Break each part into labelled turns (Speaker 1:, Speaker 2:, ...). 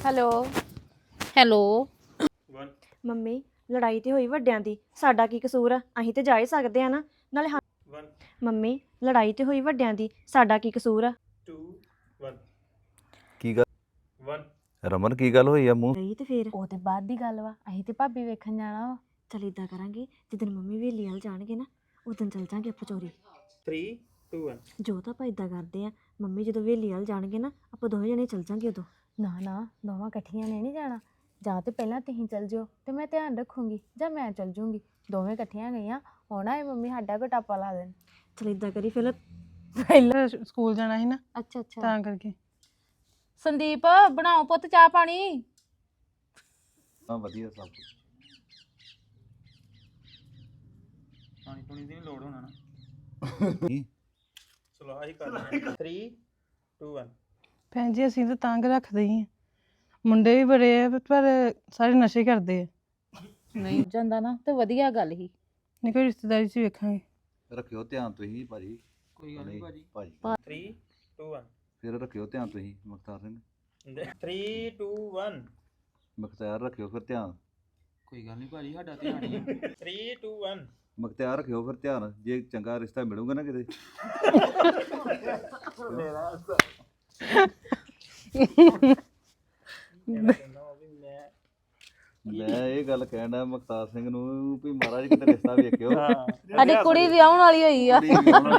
Speaker 1: Hello hello.
Speaker 2: Mummy ਲੜਾਈ ਤੇ ਹੋਈ ਵੱਡਿਆਂ ਦੀ, ਸਾਡਾ ਕੀ ਕਸੂਰ ਆ? ਅਸੀਂ ਤੇ ਜਾ ਹੀ ਸਕਦੇ ਆ ਨਾ। ਨਾਲੇ ਮੰਮੀ ਲੜਾਈ ਤੇ ਹੋਈ ਵੱਡਿਆਂ ਦੀ, ਸਾਡਾ ਕੀ ਕਸੂਰ ਆ?
Speaker 3: ਕੀ ਗੱਲ ਰਮਨ ਕੀ ਗੱਲ ਹੋਈ ਆ ਮੂੰਹ
Speaker 2: ਨਹੀਂ ਤੇ ਫਿਰ
Speaker 1: ਉਹ ਤੇ ਬਾਅਦ ਦੀ ਗੱਲ ਵਾ, ਅਸੀਂ ਤੇ ਭਾਬੀ ਵੇਖਣ ਜਾਣਾ ਵਾ।
Speaker 2: ਚਲ ਇਦਾਂ ਕਰਾਂਗੇ, ਜਿੱਦਣ ਮੰਮੀ ਵੇਲੀ ਵਾਲ ਜਾਣਗੇ ਨਾ ਉਦੋਂ ਚੱਲ ਜਾਾਂਗੇ ਆਪਾਂ ਚੋਰੀ।
Speaker 4: 3 2 1
Speaker 2: ਜੋ ਤਾਂ ਆਪਾਂ ਇਦਾਂ ਕਰਦੇ ਆ, ਮੰਮੀ ਜਦੋਂ ਵੇਲੀ ਵਾਲ ਜਾਣਗੇ ਨਾ ਆਪਾਂ ਦੋਵੇਂ ਜਣੇ ਚੱਲ ਜਾਾਂਗੇ ਉਦੋਂ।
Speaker 1: ਨਾ ਦੋਵਾਂ ਇਕੱਠੀਆਂ ਨੇ ਨਹੀਂ ਜਾਣਾ। ਜਾਂ ਤੇ ਪਹਿਲਾਂ ਤੁਸੀਂ ਚੱਲ ਜਿਓ ਤੇ ਮੈਂ ਧਿਆਨ ਰੱਖੂੰਗੀ, ਜਾਂ ਮੈਂ ਚੱਲ ਜੂੰਗੀ। ਦੋਵੇਂ ਇਕੱਠੀਆਂ ਗਈਆਂ ਹੋਣਾ ਇਹ ਮੰਮੀ ਸਾਡਾ ਕੋਈ ਟਾਪਾ ਲਾ ਦੇਣ।
Speaker 2: ਚਲ ਇਦਾਂ ਕਰੀ ਫਿਰ
Speaker 5: ਪਹਿਲਾਂ ਸਕੂਲ ਜਾਣਾ ਸੀ ਨਾ
Speaker 1: ਅੱਛਾ ਅੱਛਾ।
Speaker 5: ਤਾਂ ਕਰਕੇ।
Speaker 1: ਸੰਦੀਪ ਬਣਾਓ ਪੁੱਤ ਚਾਹ ਪਾਣੀ।
Speaker 3: ਹਾਂ ਵਧੀਆ ਸਭ ਕੁਛ।
Speaker 4: ਪਾਣੀ ਪੁਣੀ ਦੀ ਨੀ ਲੋੜ ਹੋਣਾ ਨਾ।
Speaker 3: ਕੀ?
Speaker 4: ਚਲੋ ਆਹੀ ਕਰ ਲੈਂਦੇ 3 2 1
Speaker 5: ਭੈਣ ਜੀ ਅਸੀਂ ਤਾਂ ਤੰਗ ਰੱਖਦੇ ਹੀ ਆ, ਮੁੰਡੇ ਵੀ ਬੜੇ ਆ ਪਰ ਸਾਰੇ ਨਸ਼ੇ ਕਰਦੇ ਆ।
Speaker 1: ਨਹੀਂ ਜਾਂਦਾ ਨਾ ਤੇ ਵਧੀਆ ਗੱਲ ਹੀ।
Speaker 5: ਨਹੀਂ ਕੋਈ ਰਿਸ਼ਤੇਦਾਰੀ 'ਚ ਵੇਖਾਂਗੇ।
Speaker 3: ਰੱਖਿਓ ਧਿਆਨ ਤੁਸੀਂ ਭਾਜੀ।
Speaker 4: ਕੋਈ ਗੱਲ ਨਹੀਂ ਭਾਜੀ।
Speaker 3: ਭਾਜੀ
Speaker 4: 3 2 1
Speaker 3: ਫਿਰ ਰੱਖਿਓ ਧਿਆਨ ਤੁਸੀਂ ਮੁਖਤਾਰ ਸਿੰਘ।
Speaker 4: 3 2 1
Speaker 3: ਮੁਖਤਾਰ ਰੱਖਿਓ ਫਿਰ ਧਿਆਨ।
Speaker 4: ਕੋਈ ਗੱਲ ਨਹੀਂ ਭਾਜੀ ਸਾਡਾ ਧਿਆਨ ਹੀ 3 2 1
Speaker 3: ਮੁਖਤਾਰ ਰੱਖਿਓ ਫਿਰ ਧਿਆਨ, ਜੇ ਚੰਗਾ ਰਿਸ਼ਤਾ ਮਿਲੂਗਾ ਨਾ ਕਿਤੇ। ਮੈਂ ਇਹ ਗੱਲ ਕਹਿਣਾ ਮੁਖਤਾਰ ਸਿੰਘ ਨੂੰ ਵੀ ਮਹਾਰਾਜ ਕਿਤੇ ਰਿਸ਼ਤਾ ਵੇਖਿਓ।
Speaker 1: ਸਾਡੀ ਕੁੜੀ ਵਿਆਹਣ ਵਾਲੀ ਹੋਈ ਆ।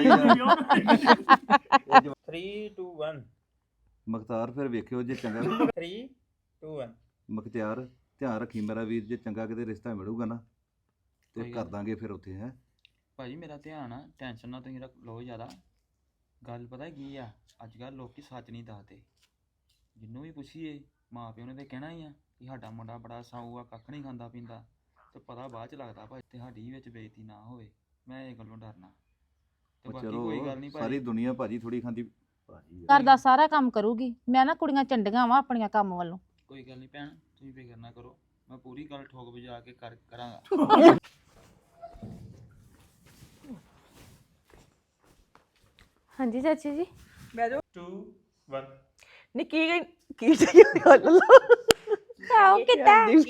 Speaker 4: 3 2 1
Speaker 3: ਮੁਖਤਾਰ ਫਿਰ ਵੇਖਿਓ ਜੇ ਚੰਗਾ।
Speaker 4: 3 2 1
Speaker 3: ਮੁਖਤਿਆਰ ਧਿਆਨ ਰੱਖੀ ਮੇਰਾ ਵੀਰ, ਜੇ ਚੰਗਾ ਕਿਤੇ ਰਿਸ਼ਤਾ ਮਿਲੂਗਾ ਨਾ ਤੇ ਕਰ ਦਾਂਗੇ ਫਿਰ ਉੱਥੇ। ਹੈ
Speaker 4: ਭਾਜੀ ਮੇਰਾ ਧਿਆਨ ਆ, ਟੈਨਸ਼ਨ ਨਾ ਤੁਸੀਂ ਲਓ ਜ਼ਿਆਦਾ। ਗੱਲ ਪਤਾ ਕੀ ਆ, ਅੱਜ ਕੱਲ੍ਹ ਲੋਕੀ ਸੱਚ ਨਹੀਂ ਦੱਸਦੇ। ਜਿੰਨੂੰ ਵੀ ਪੁੱਛੀਏ ਮਾਂ ਪਿਓ ਨੇ ਤੇ ਕਹਿਣਾ ਹੀ ਆ ਕਿ ਸਾਡਾ ਮੁੰਡਾ ਬੜਾ ਸਾਊ ਆ, ਕੱਖ ਨਹੀਂ ਖਾਂਦਾ ਪੀਂਦਾ, ਤੇ ਪਤਾ ਬਾਅਦ ਚ ਲੱਗਦਾ ਭਾਈ ਤੇ ਸਾਡੀ ਵਿੱਚ ਬੇਇੱਜ਼ਤੀ ਨਾ ਹੋਵੇ। ਮੈਂ ਇਹ ਗੱਲੋਂ ਡਰਨਾ। ਤੇ ਬਾਕੀ ਕੋਈ ਗੱਲ ਨਹੀਂ
Speaker 3: ਸਾਰੀ
Speaker 4: ਭਾਜੀ।
Speaker 3: ਦੁਨੀਆ ਭਾਜੀ ਥੋੜੀ ਖਾਂਦੀ ਭਾਜੀ।
Speaker 1: ਘਰ ਦਾ ਸਾਰਾ ਕੰਮ ਕਰੂਗੀ। ਮੈਂ ਨਾ ਕੁੜੀਆਂ ਚੰਡੀਆਂ ਵਾ ਆਪਣੀਆਂ ਕੰਮ ਵੱਲੋਂ।
Speaker 4: ਕੋਈ ਗੱਲ ਨਹੀਂ ਭੈਣ, ਤੁਸੀਂ ਫਿਕਰ ਨਾ ਕਰੋ, ਮੈਂ ਪੂਰੀ ਗੱਲ ਠੋਕ ਵਜਾ ਕੇ ਕਰਾਂਗਾ।
Speaker 1: ਹਾਂਜੀ ਚਾਚੀ ਜੀ।
Speaker 4: 2 1
Speaker 2: ਨੀ ਕੀ ਚਾਹੀਏ ਗੱਲ
Speaker 1: ਆਓ ਕਿੱਦਾਂ
Speaker 4: 2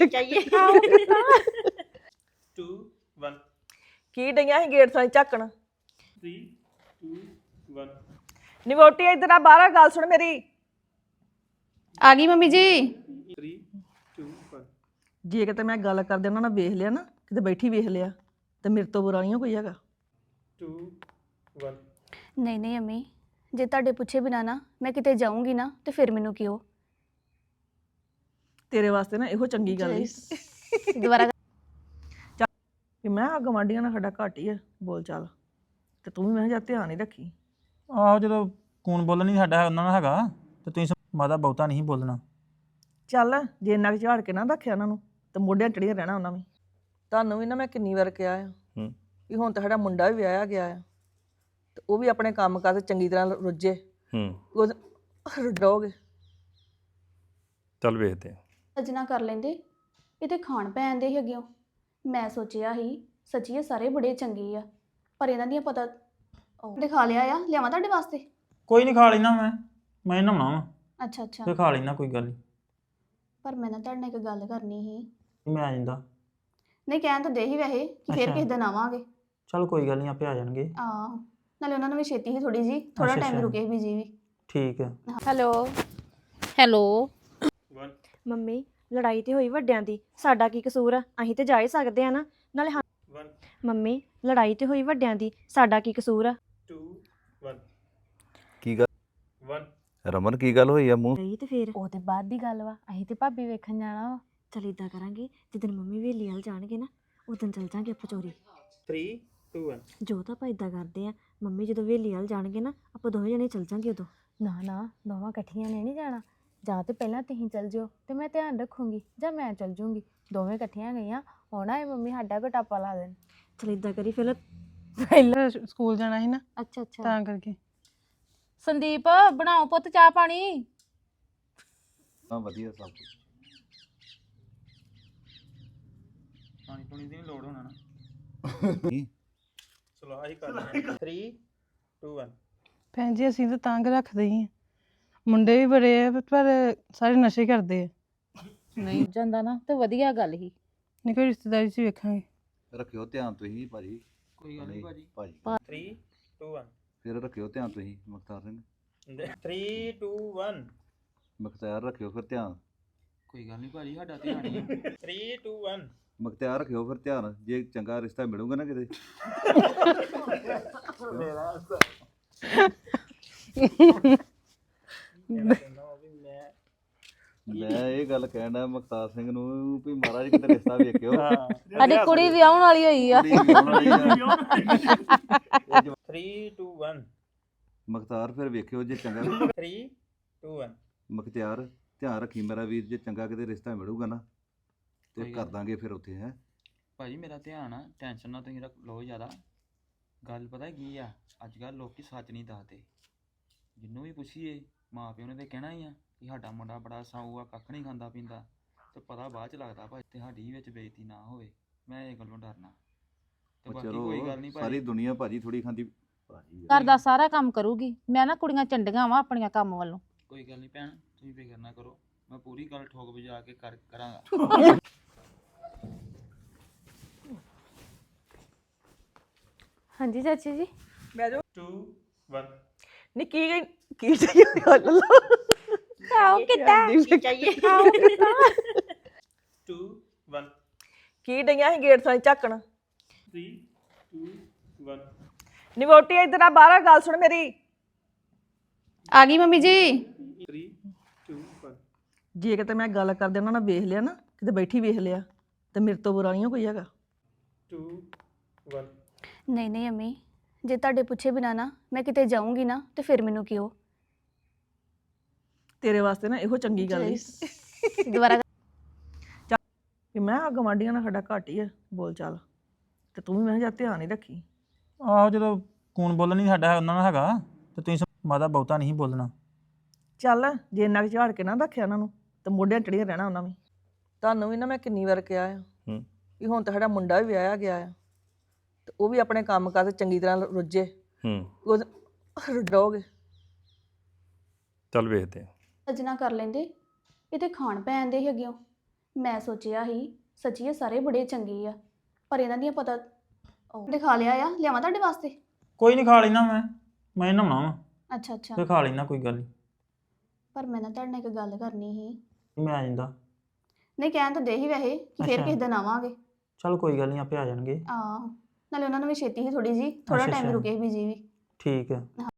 Speaker 4: 1
Speaker 2: ਕੀ ਡਈਆਂ ਸੀ ਗੇਟ ਸਾਂ ਝੱਕਣ।
Speaker 4: 3 2 1
Speaker 2: ਨੀ ਵੋਟੀ ਇਧਰ ਆ, ਬਾਹਰ ਆ, ਗੱਲ ਸੁਣ ਮੇਰੀ।
Speaker 1: ਆ ਗਈ ਮੰਮੀ ਜੀ।
Speaker 4: 3 2 1
Speaker 2: ਜੇ ਕਿਤੇ ਮੈਂ ਗੱਲ ਕਰਦੇ ਉਹਨਾਂ ਨਾਲ ਵੇਖ ਲਿਆ ਨਾ, ਕਿਤੇ ਬੈਠੀ ਵੇਖ ਲਿਆ, ਤੇ ਮੇਰੇ ਤੋਂ ਬੁਰਾ ਨਹੀਂ ਕੋਈ ਹੈਗਾ।
Speaker 4: 2 1
Speaker 6: ਨਹੀਂ ਅੰਮੀ, ਜੇ ਤੁਹਾਡੇ ਪੁੱਛੇ ਬਿਨਾ ਨਾ ਮੈਂ ਕਿਤੇ ਜਾਊਂਗੀ ਨਾ ਤੇ ਫਿਰ ਮੈਨੂੰ ਕਿਉਂ?
Speaker 2: ਤੇਰੇ ਵਾਸਤੇ ਨਾ ਇਹੋ ਚੰਗੀ ਗੱਲ ਹੈ
Speaker 1: ਦੁਬਾਰਾ
Speaker 2: ਕਿ ਮੈਂ ਆ ਗਵਾਂਢੀਆਂ ਨਾਲ ਸਾਡਾ ਘੱਟ ਹੀ ਆ ਬੋਲ ਚਾਲ, ਤੇ ਤੂੰ ਵੀ ਮੈਂ ਕਿਹਾ ਧਿਆਨ ਹੀ ਰੱਖੀ।
Speaker 7: ਆਹੋ ਜਦੋਂ ਕੌਣ ਬੋਲਣ ਨਹੀਂ ਸਾਡਾ ਉਹਨਾਂ ਨਾਲ ਹੈਗਾ ਤੇ ਤੁਸੀਂ ਮਾਦਾ ਬਹੁਤਾ ਨਹੀਂ ਬੋਲਣਾ।
Speaker 2: ਚੱਲ ਜੇ ਇੰਨਾ ਕੁ ਝਾੜ ਕੇ ਨਾ ਰੱਖਿਆ ਉਹਨਾਂ ਨੂੰ ਤੇ ਮੋਢਿਆਂ ਚੜੀਆਂ ਰਹਿਣਾ ਉਹਨਾਂ ਵੀ। ਤੁਹਾਨੂੰ ਵੀ ਨਾ ਮੈਂ ਕਿੰਨੀ ਵਾਰ ਕਿਹਾ ਆ ਵੀ ਹੁਣ ਤਾਂ ਸਾਡਾ ਮੁੰਡਾ ਵੀ ਵਿਆਹਿਆ ਗਿਆ ਆ, ਤੇ ਉਹ ਵੀ ਆਪਣੇ ਕੰਮ ਕਾਰ ਚੰਗੀ ਤਰ੍ਹਾਂ ਰੁੱਝੇ। ਉਹ ਰੁੱਝੋਗੇ।
Speaker 7: ਚੱਲ ਵੇਖਦੇ ਆ।
Speaker 6: ਸੱਜਣਾ ਕਰ ਲੈਂਦੇ, ਇਹ ਤੇ ਖਾਣ ਪੈਣ ਦੇ ਹੀ ਅੱਗਿਓਂ। ਮੈਂ ਸੋਚਿਆ ਸੀ ਸੱਚੀ ਇਹ ਸਾਰੇ ਬੜੇ ਚੰਗੇ ਆ, ਪਰ ਇਹਨਾਂ ਦੀਆਂ ਪਤਾ ਦਿਖਾ ਲਿਆ ਆ। ਲਿਆਵਾਂ ਤੁਹਾਡੇ ਵਾਸਤੇ?
Speaker 7: ਕੋਈ ਨਹੀਂ ਖਾ ਲੈਣਾ, ਮੈਂ ਨਹਾਉਣਾ ਵਾ,
Speaker 6: ਅੱਛਾ ਅੱਛਾ।
Speaker 7: ਤੇ ਖਾ ਲੈਣਾ ਕੋਈ ਗੱਲ ਨਹੀਂ।
Speaker 6: ਪਰ ਮੈਂ ਨਾ ਤੁਹਾਡੇ ਨਾਲ ਇੱਕ ਗੱਲ ਕਰਨੀ ਸੀ।
Speaker 7: ਮੈਂ ਆ ਜਾਂਦਾ।
Speaker 6: ਨਹੀਂ ਕਹਿਣ ਤਾਂ ਦੇ ਹੀ ਵੈਸੇ ਕਿ ਫਿਰ
Speaker 7: ਅੱਛਾ।
Speaker 6: ਕਿਸੇ ਦਿਨ ਆਵਾਂਗੇ।
Speaker 7: ਚੱਲ ਕੋਈ ਗੱਲ ਨਹੀਂ, ਆਪੇ ਆ ਜਾਣਗੇ।
Speaker 6: ਆਹ ਨਾਲੇ ਉਹਨਾਂ ਨੂੰ ਵੀ ਛੇਤੀ ਸੀ ਥੋੜੀ ਜੀ, ਥੋੜਾ
Speaker 7: ਅੱਛਾ,
Speaker 6: ਟਾਈਮ
Speaker 7: ਅੱਛਾ।
Speaker 6: ਰੁਕੇ ਬੀਜੀ ਵੀ।
Speaker 7: ਠੀਕ ਆ।
Speaker 1: Hello hello.
Speaker 4: 1
Speaker 2: ਮੰਮੀ ਲੜਾਈ ਤੇ ਹੋਈ ਵੱਡਿਆਂ ਦੀ, ਸਾਡਾ ਕੀ ਕਸੂਰ ਆ? ਅਸੀਂ ਤੇ ਜਾ ਹੀ ਸਕਦੇ ਆ ਨਾ। ਨਾਲੇ
Speaker 4: 1
Speaker 2: ਮੰਮੀ ਲੜਾਈ ਤੇ ਹੋਈ ਵੱਡਿਆਂ ਦੀ, ਸਾਡਾ ਕੀ ਕਸੂਰ ਆ?
Speaker 4: 2 1
Speaker 3: ਕੀ ਗੱਲ
Speaker 4: 1
Speaker 3: ਰਮਨ ਕੀ ਗੱਲ ਹੋਈ ਆ ਮੂੰਹ?
Speaker 2: ਨਹੀਂ ਤੇ ਫਿਰ
Speaker 1: ਉਹ ਤੇ ਬਾਅਦ ਦੀ ਗੱਲ ਵਾ, ਅਸੀਂ ਤੇ ਭਾਬੀ ਵੇਖਣ ਜਾਣਾ ਵਾ।
Speaker 2: ਚਲ ਇਦਾਂ ਕਰਾਂਗੇ, ਜਿੱਦਣ ਮੰਮੀ ਵੇਲੀ ਵਾਲ ਜਾਣਗੇ ਨਾ ਉਦੋਂ ਚੱਲ ਜਾਾਂਗੇ ਆਪਾਂ ਚੋਰੀ।
Speaker 4: 3 2 1
Speaker 2: ਜੋ ਤਾਂ ਆਪਾਂ ਇਦਾਂ ਕਰਦੇ ਆ, ਮੰਮੀ ਜਦੋਂ ਵੇਲੀ ਵਾਲ ਜਾਣਗੇ ਨਾ ਆਪਾਂ ਦੋਵੇਂ ਜਣੇ ਚੱਲ ਜਾਾਂਗੇ ਉਦੋਂ।
Speaker 1: ਨਾ ਦੋਵਾਂ ਇਕੱਠੀਆਂ ਨੇ ਨਹੀਂ ਜਾਣਾ। ਜਾਂ ਤੇ ਪਹਿਲਾਂ ਤੁਸੀਂ ਚੱਲ ਜਿਓ ਤੇ ਮੈਂ ਧਿਆਨ ਰੱਖੂੰਗੀ, ਜਾਂ ਮੈਂ ਚੱਲ ਜੂੰਗੀ। ਦੋਵੇਂ ਇਕੱਠੀਆਂ ਗਈਆਂ ਹੋਣਾ ਇਹ ਮੰਮੀ ਸਾਡਾ ਕੋਈ ਟਾਪਾ ਲਾ ਦੇਣ।
Speaker 2: ਚਲ ਇਦਾਂ ਕਰੀ ਫਿਰ
Speaker 5: ਪਹਿਲਾਂ ਸਕੂਲ ਜਾਣਾ ਸੀ ਨਾ
Speaker 1: ਅੱਛਾ ਅੱਛਾ।
Speaker 5: ਤਾਂ ਕਰਕੇ।
Speaker 1: ਸੰਦੀਪ ਬਣਾਓ ਪੁੱਤ ਚਾਹ ਪਾਣੀ।
Speaker 3: ਹਾਂ ਵਧੀਆ ਸਭ ਕੁਛ।
Speaker 4: ਪਾਣੀ ਪੁਣੀ ਦੀ ਨੀ ਲੋੜ ਹੋਣਾ ਨਾ।
Speaker 3: ਕੀ?
Speaker 4: ਚਲੋ ਆਹੀ ਕਰ ਲੈਂਦੇ 3 2 1
Speaker 5: ਭੈਣ ਜੀ ਅਸੀਂ ਤਾਂ ਤੰਗ ਰੱਖਦੇ ਹੀ ਆ, ਮੁੰਡੇ ਵੀ ਬੜੇ ਆ ਪਰ ਸਾਰੇ ਨਸ਼ੇ ਕਰਦੇ ਆ। ਨਹੀਂ
Speaker 8: ਜਾਂਦਾ ਨਾ ਤੇ ਵਧੀਆ ਗੱਲ ਹੀ।
Speaker 5: ਨਹੀਂ ਕੋਈ ਰਿਸ਼ਤੇਦਾਰੀ 'ਚ ਵੇਖਾਂਗੇ।
Speaker 3: ਰੱਖਿਓ ਧਿਆਨ ਤੁਸੀਂ ਭਾਜੀ।
Speaker 4: ਕੋਈ ਗੱਲ ਨਹੀਂ ਭਾਜੀ।
Speaker 3: ਭਾਜੀ
Speaker 7: 3 2 1
Speaker 3: ਫਿਰ ਰੱਖਿਓ ਧਿਆਨ ਤੁਸੀਂ ਮੁਖਤਾਰ ਸਿੰਘ।
Speaker 7: 3 2 1
Speaker 3: ਮੁਖਤਾਰ ਰੱਖਿਓ ਫਿਰ ਧਿਆਨ।
Speaker 4: ਕੋਈ ਗੱਲ ਨਹੀਂ ਭਾਜੀ ਸਾਡਾ ਧਿਆਨ ਹੀ ਆ।
Speaker 7: 3 2 1
Speaker 3: ਮੁਖਤਾਰ ਰੱਖਿਓ ਫਿਰ ਧਿਆਨ, ਜੇ ਚੰਗਾ ਰਿਸ਼ਤਾ ਮਿਲੂਗਾ ਨਾ ਕਿਤੇ। ਮੈਂ ਇਹ ਗੱਲ ਕਹਿਣਾ ਮੁਖਤਾਰ ਸਿੰਘ ਨੂੰ ਵੀ ਮਹਾਰਾਜ ਕਿਤੇ ਰਿਸ਼ਤਾ ਵੇਖਿਓ।
Speaker 8: ਸਾਡੀ ਕੁੜੀ ਵਿਆਹਣ ਵਾਲੀ ਹੋਈ ਆ।
Speaker 7: 3 2 1
Speaker 3: ਮੁਖਤਾਰ ਫਿਰ ਵੇਖਿਓ ਜੇ ਚੰਗਾ।
Speaker 7: 3 2 1
Speaker 3: ਮੁਖਤਿਆਰ ਧਿਆਨ ਰੱਖੀ ਮੇਰਾ ਵੀਰ, ਜੇ ਚੰਗਾ ਕਿਤੇ ਰਿਸ਼ਤਾ ਮਿਲੂਗਾ ਨਾ ਤੇ
Speaker 4: ਕੋਈ
Speaker 3: ਕਰ
Speaker 4: ਗੱਲ
Speaker 3: ਦਾਂਗੇ ਫਿਰ ਉੱਥੇ ਹੈ।
Speaker 4: ਭਾਜੀ ਮੇਰਾ ਧਿਆਨ ਆ, ਟੈਨਸ਼ਨ ਨਾ ਤੁਸੀਂ ਰੱਖ ਲਓ ਜ਼ਿਆਦਾ। ਗੱਲ ਪਤਾ ਕੀ ਆ, ਅੱਜ ਕੱਲ੍ਹ ਲੋਕੀ ਸੱਚ ਨਹੀਂ ਦੱਸਦੇ। ਜਿਹਨੂੰ ਵੀ ਪੁੱਛੀਏ ਮਾਂ ਪਿਓ ਨੇ ਤੇ ਕਹਿਣਾ ਹੀ ਆ ਕਿ ਸਾਡਾ ਮੁੰਡਾ ਬੜਾ ਸਾਊ ਆ, ਕੱਖ ਨਹੀਂ ਖਾਂਦਾ ਪੀਂਦਾ, ਤੇ ਪਤਾ ਬਾਅਦ ਚ ਲੱਗਦਾ ਭਾਈ ਤੇ ਸਾਡੀ ਵਿੱਚ ਬੇਇੱਜ਼ਤੀ ਨਾ ਹੋਵੇ। ਮੈਂ ਇਹ ਗੱਲੋਂ ਡਰਨਾ। ਤੇ
Speaker 3: ਉਹ
Speaker 4: ਬਾਕੀ
Speaker 3: ਚਲੋ
Speaker 4: ਕੋਈ ਗੱਲ ਨਹੀਂ
Speaker 3: ਸਾਰੀ
Speaker 4: ਭਾਜੀ।
Speaker 3: ਦੁਨੀਆ ਭਾਜੀ ਥੋੜੀ ਖਾਂਦੀ ਭਾਜੀ
Speaker 8: ਘਰ ਦਾ ਸਾਰਾ ਕੰਮ ਕਰੂਗੀ। ਮੈਂ ਨਾ ਕੁੜੀਆਂ ਚੰਡੀਆਂ ਵਾਂ ਆਪਣੀਆਂ ਕੰਮ ਵੱਲੋਂ।
Speaker 4: ਕੋਈ ਗੱਲ ਨਹੀਂ ਭੈਣ, ਤੁਸੀਂ ਫਿਕਰ ਨਾ ਕਰੋ, ਮੈਂ ਪੂਰੀ ਗੱਲ ਠੋਕ ਵਜਾ ਕੇ ਕਰਾਂਗਾ।
Speaker 1: ਹਾਂਜੀ ਚਾਚੀ ਜੀ।
Speaker 2: ਬਹਿ ਜਾਓ।
Speaker 7: 2 1
Speaker 2: ਨੀ ਕੀ ਚਾਹੀਏ ਗੱਲ ਲਾ।
Speaker 1: ਆਓ ਕਿੱਦਾਂ ਚਾਹੀਏ? ਆਓ
Speaker 7: 2 1
Speaker 2: ਕੀ ਡਈਆਂ ਸੀ ਗੇਟ ਸਾਂ ਝਾਕਣ।
Speaker 7: 3 2 1
Speaker 2: ਨੀ ਵੋਟੀ ਇੱਧਰ ਆ, ਬਾਹਰ ਆ, ਗੱਲ ਸੁਣ ਮੇਰੀ।
Speaker 6: ਆ ਗਈ ਮੰਮੀ ਜੀ।
Speaker 7: 3 2 1
Speaker 2: ਜੇ ਕਿਤੇ ਮੈਂ ਗੱਲ ਕਰਦੇ ਉਹਨਾਂ ਨਾਲ ਵੇਖ ਲਿਆ ਨਾ, ਕਿਤੇ ਬੈਠੀ ਵੇਖ ਲਿਆ, ਤੇ ਮੇਰੇ ਤੋਂ ਬੁਰਾ ਨਹੀਂ ਕੋਈ ਹੈਗਾ।
Speaker 7: 2 1
Speaker 6: ਨਹੀਂ ਨਹੀਂ ਅੰਮੀ, ਜੇ ਤੁਹਾਡੇ ਪੁੱਛੇ ਬਿਨਾ ਨਾ ਮੈਂ ਕਿਤੇ ਜਾਊਂਗੀ ਨਾ ਤੇ ਫਿਰ ਮੈਨੂੰ ਕਿਉਂ
Speaker 2: ਤੇਰੇ ਵਾਸਤੇ ਨਾ ਇਹੋ ਚੰਗੀ ਗੱਲ ਈ
Speaker 6: ਦੁਬਾਰਾ
Speaker 2: ਕਿ ਮੈਂ ਆ ਗਵਾਂਢੀਆਂ ਨਾਲ ਸਾਡਾ ਘੱਟ ਹੀ ਆ ਬੋਲ ਚਾਲ, ਤੇ ਤੂੰ ਵੀ ਮੈਂ ਕਿਹਾ ਧਿਆਨ ਹੀ ਰੱਖੀ।
Speaker 7: ਆਹੋ ਜਦੋਂ ਕੌਣ ਬੋਲਣ ਨਹੀਂ ਸਾਡਾ ਉਹਨਾਂ ਨਾਲ ਹੈਗਾ ਤੇ ਤੁਸੀਂ ਮਾਦਾ ਬਹੁਤਾ ਨਹੀਂ ਬੋਲਣਾ।
Speaker 2: ਚੱਲ ਜੇ ਇੰਨਾ ਕੁ ਝਾੜ ਕੇ ਨਾ ਰੱਖਿਆ ਉਹਨਾਂ ਨੂੰ ਤੇ ਮੋਢਿਆਂ ਚੜੀਆਂ ਰਹਿਣਾ ਉਹਨਾਂ ਵੀ। ਤੁਹਾਨੂੰ ਵੀ ਨਾ ਮੈਂ ਕਿੰਨੀ ਵਾਰ ਕਿਹਾ ਆ ਵੀ ਹੁਣ ਤਾਂ ਸਾਡਾ ਮੁੰਡਾ ਵੀ ਵਿਆਹਿਆ ਗਿਆ ਆ, ਤੇ ਉਹ ਵੀ ਆਪਣੇ ਕੰਮ ਕਾਰ ਚੰਗੀ ਤਰ੍ਹਾਂ ਰੁੱਝੇ। ਉਹ ਰੁੱਝੋਗੇ।
Speaker 9: ਚੱਲ ਵੇਖਦੇ ਆ।
Speaker 6: ਸਜਣਾ ਕਰ ਲੈਂਦੇ, ਇਹ ਤੇ ਖਾਣ ਪੈਣ ਦੇ ਹੈਗੇ। ਮੈਂ ਸੋਚਿਆ ਸੀ ਸੱਚੀ ਇਹ ਸਾਰੇ ਬੜੇ ਚੰਗੇ ਆ, ਪਰ ਇਹਨਾਂ ਦੀਆਂ ਪਤਾ ਦਿਖਾ ਲਿਆ ਆ। ਲਿਆਵਾਂ ਤੁਹਾਡੇ ਵਾਸਤੇ?
Speaker 7: ਕੋਈ ਨਹੀਂ, ਖਾ ਲੈਣਾ ਮੈਂ ਨਹਾਉਣਾ ਵਾ,
Speaker 6: ਅੱਛਾ ਅੱਛਾ।
Speaker 7: ਫਿਰ ਖਾ ਲੈਣਾ, ਕੋਈ ਗੱਲ ਨਹੀਂ।
Speaker 6: ਪਰ ਮੈਂ ਨਾ ਤੁਹਾਡੇ ਨਾਲ ਇੱਕ ਗੱਲ ਕਰਨੀ ਸੀ।
Speaker 7: ਮੈਂ ਆ ਜਾਂਦਾ।
Speaker 6: ਨਹੀਂ ਕਹਿਣ ਤਾਂ ਦੇ ਹੀ ਵੈਸੇ ਕਿ ਫਿਰ
Speaker 7: ਅੱਛਾ।
Speaker 6: ਕਿਸੇ ਦਿਨ ਆਵਾਂਗੇ।
Speaker 7: ਚਲ ਕੋਈ ਗੱਲ ਨਹੀਂ, ਆਪੇ ਆ ਜਾਣਗੇ।
Speaker 6: ਨਾਲੇ ਉਹਨਾਂ ਨੂੰ ਵੀ ਛੇਤੀ ਹੀ ਥੋੜੀ ਜੀ, ਥੋੜਾ
Speaker 7: ਅੱਛਾ,
Speaker 6: ਟਾਈਮ
Speaker 7: ਅੱਛਾ।
Speaker 6: ਰੁਕੇ ਵੀ ਜੀ ਵੀ।
Speaker 7: ਠੀਕ ਹੈ।